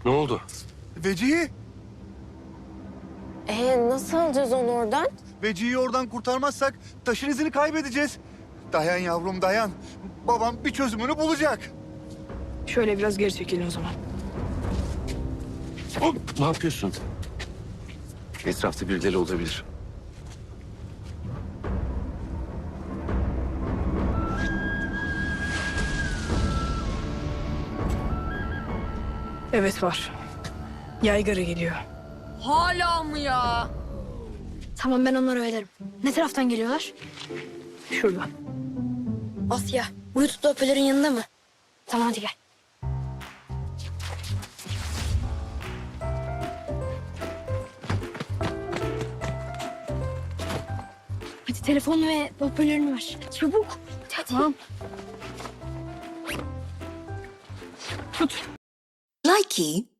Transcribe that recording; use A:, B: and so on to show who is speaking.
A: Ne oldu?
B: Vecihi.
C: Nasıl alacağız onu oradan?
B: Vecihi'yi oradan kurtarmazsak taşın izini kaybedeceğiz. Dayan yavrum dayan. Babam bir çözümünü bulacak.
D: Şöyle biraz geri çekilin o zaman.
A: Hop, ne yapıyorsun? Etrafta birileri olabilir.
D: Evet var. Yaygara geliyor.
E: Hala mı ya?
F: Tamam ben onları öderim. Ne taraftan geliyorlar?
D: Şuradan.
F: Asya, bu YouTube'da hoparlörün yanında mı? Tamam hadi gel. Hadi telefonu ve hoparlörünü ver. Çabuk. Hadi.
D: Tamam. Tut.
G: Likey